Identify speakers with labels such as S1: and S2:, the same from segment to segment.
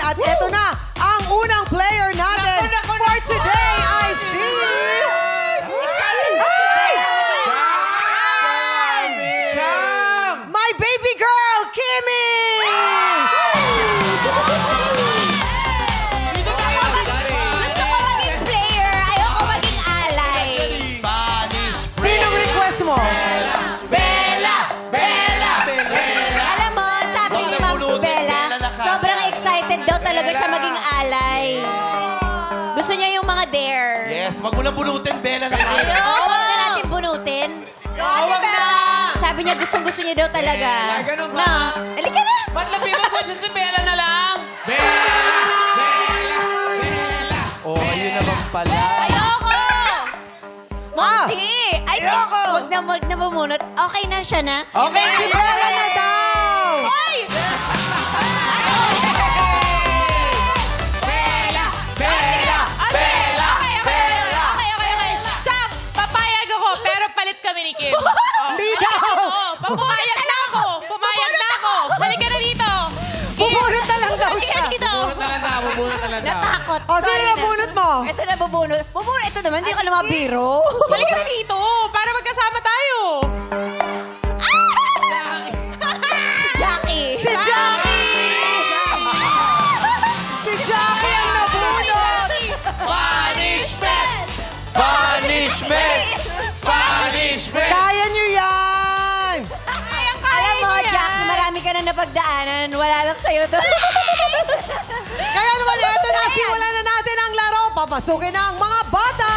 S1: At eto na, ang unang player natin for today ay si... My baby girl, Kimmy!
S2: Gusto ko maging player. Ayoko maging alay.
S1: Sinong request mo?
S2: Bella! Bella! Alam mo, sabi ni Ma'am Bella, sobrang excited daw talaga siya maging alay. Gusto niya yung mga dare.
S3: Yes, wag mo na bunutin, Bella na kayo.
S2: Oo, huwag na natin bunutin.
S3: Wag na!
S2: Sabi niya gustong-gusto niya daw talaga.
S3: Bella, ganun ba?
S2: Na, halika na!
S4: Ba't labihan ko siya si Bella na lang?
S3: Oh, ayun naman pala.
S2: Ayoko! Moxie! Ay, wag na bumunot. Okay na siya na?
S4: Okay,
S1: Si Bella na daw!
S2: Ay!
S4: okay. Siya, papayag ako, pero palit kami ni Kim.
S1: Hindi daw!
S4: Pumayag na ako! Pumayag na ako! Halika na dito!
S1: Bubunot na lang daw siya.
S2: Dito!
S3: Bubunot na lang na.
S2: Natakot.
S1: O, sino na bunot mo?
S2: Ito na bubunot. Bubunot. Ito naman, hindi ka naman biro.
S4: Halika na dito! Para magkasama tayo!
S2: Jackie!
S1: Si Jackie! Si Jackie ang nabunot!
S3: Punishment! Punishment! Punishment!
S1: Kaya niyo yan!
S2: Alam mo, Jackie, marami ka na napagdaanan. Wala lang sa'yo to.
S1: Kaya naman, eto na, simulan na natin ang laro. Papasukin na ang mga bata!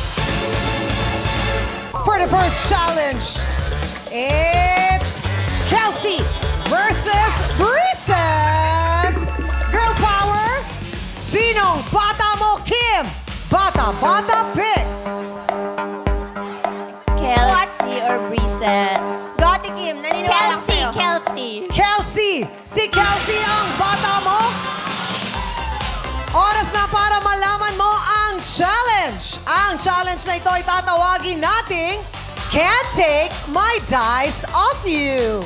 S1: For the first challenge, it's Kelsey versus Breezes! Girl power, sinong bata mo, Kim? Bata pick!
S2: Kelsey or Brisa?
S5: Gotti Kim, naniniwala ko
S2: Kelsey,
S5: sa'yo.
S2: Kelsey.
S1: Kelsey! Si Kelsey ang bata mo? Oras na para malaman mo ang challenge. Ang challenge na ito ay tatawagin nating Can't Take My Dice Off You.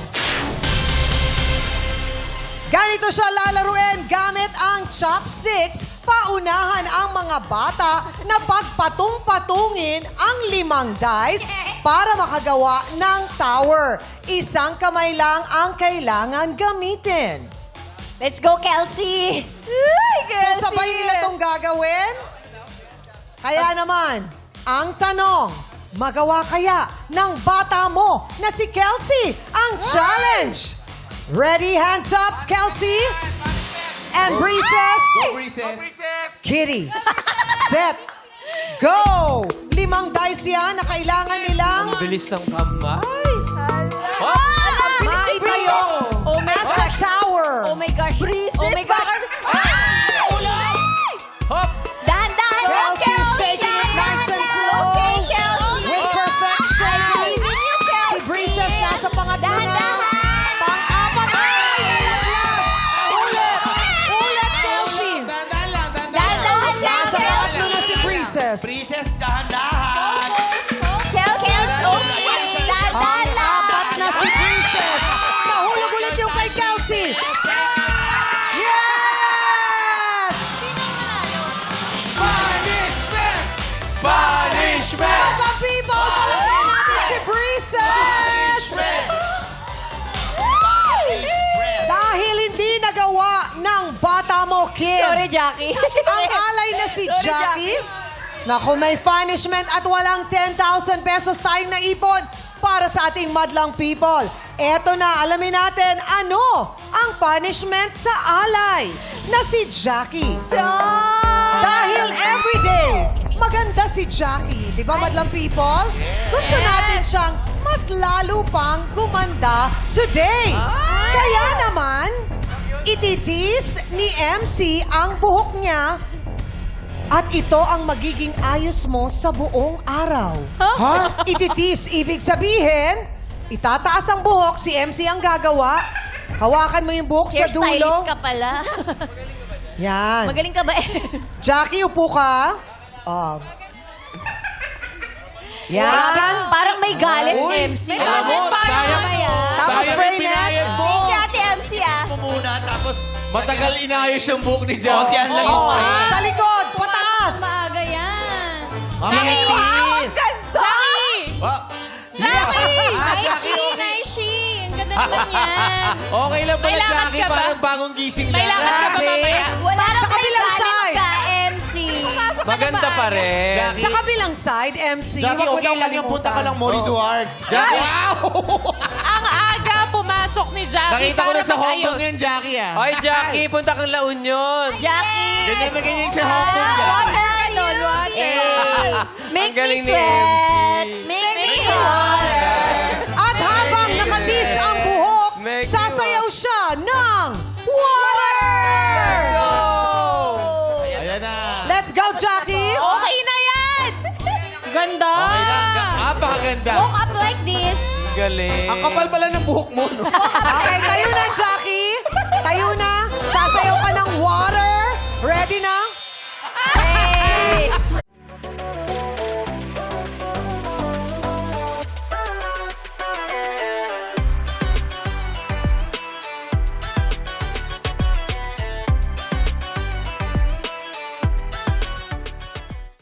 S1: Ganito siya lalaruin gamit ang chopsticks. Paunahan ang mga bata na pagpatung-patungin ang 5 dice para makagawa ng tower. Isang kamay lang ang kailangan gamitin.
S2: Let's go, Kelsey!
S1: So sabay nila itong gagawin? Kaya naman, ang tanong, magawa kaya ng bata mo na si Kelsey ang challenge? Ready, hands up, Kelsey? And Breezes?
S3: Go, Recess!
S1: Kitty, set, go! 5 dice yan na kailangan nilang
S3: Bilis ng kamay.
S1: maitayo
S2: Oh my
S1: as a
S2: gosh!
S1: tower.
S2: Oh my gosh! Oh my gosh!
S3: Hop!
S2: Dahan-dahan!
S1: Kelsey's taking it nice and slow. With perfection. Si Breezes nasa pangatlo na.
S2: Dahan-dahan.
S1: Pang-apat. Ay, nalaglag. Ulit, Kelsey.
S2: Dahan-dahan lang!
S1: Nasa pangatlo na si Breezes.
S3: Princess, dahan-dahan!
S2: Kelsey! Dahan-dahan lang!
S1: Pang-apat na si Breezes. Nahulog ulit yung kay Kelsey. Yes!
S3: Punishment! Punishment!
S1: Mga people, palagyan natin si Breezes. Dahil hindi nagawa ng bata mo, Kim.
S2: Sorry, Jackie.
S1: Ang alay na si Jackie. Naku, may punishment at walang 10,000 pesos tayong naipon para sa ating madlang people. Eto na, alamin natin ano ang punishment sa alay na si Jackie. Dahil everyday, maganda si Jackie. Di ba, madlang people? Gusto natin siyang mas lalo pang gumanda today. Kaya naman, ititis ni MC ang buhok niya at ito ang magiging ayos mo sa buong araw. Ha? Ititis, ibig sabihin, itataas ang buhok, si MC ang gagawa. Hawakan mo yung buhok sa dulo.
S2: Hairstylist ka pala.
S1: Yan.
S2: Magaling ka ba?
S1: Jackie, upo ka. Yan.
S2: Parang may galit,
S3: Uy,
S2: MC.
S3: alam mo, sayang.
S2: Mamaya.
S1: Tapos
S3: Sayang
S1: spray
S3: yung
S1: net.
S3: pinayad mo.
S5: Thank you, Ate MC, ah.
S3: Mo muna, tapos
S6: Matagal inayos yung buhok ni
S3: Konti
S6: Jackie.
S3: ang lang yung
S1: Oh,
S3: straight.
S1: sa likod, pataas.
S2: Maaga yan.
S3: Tinis.
S4: Jackie!
S6: Ah,
S4: Jackie!
S2: Naishi, Naishi. Ang ganda naman yan.
S6: okay lang pala,
S4: May lakad
S6: Jackie.
S4: ka ba?
S6: Parang bagong gising
S4: May
S6: lang.
S4: lakad ka ba mamaya?
S2: Wala
S1: Sa kabilang side.
S2: ka, MC.
S7: Maganda pa rin.
S6: Jackie,
S1: Sa kabilang side, MC,
S8: Jackie,
S1: wag mo
S8: okay
S1: daw
S8: lang yung punta ka lang
S1: kalimutan.
S8: Mori Duarte.
S6: Jackie,
S4: Ang aga pumasok ni Jackie
S6: nakita ko na
S4: para
S6: sa Hong Kong
S4: mag-ayos.
S6: yan, Jackie ah.
S7: Oy, Jackie, punta kang La Union.
S2: Jackie.
S6: Ganyan na ganyan sa Hong Kong, Jackie.
S2: Water, Don, water. Make
S7: Ang galing
S2: me
S7: ni
S2: sweat.
S7: MC.
S2: Make me water.
S1: At habang nakadis ang buhok,
S7: Make you
S1: sasayaw siya ng water!
S6: Ayan na.
S1: Let's go, Jackie!
S4: Okay na yan!
S2: Ganda.
S6: Okay na. Napakaganda.
S2: Woke up like this.
S7: Galing.
S8: Ang kapal pala ng buhok mo, no?
S1: Okay, tayo na, Jackie. Tayo na. Sasayaw ka ng water.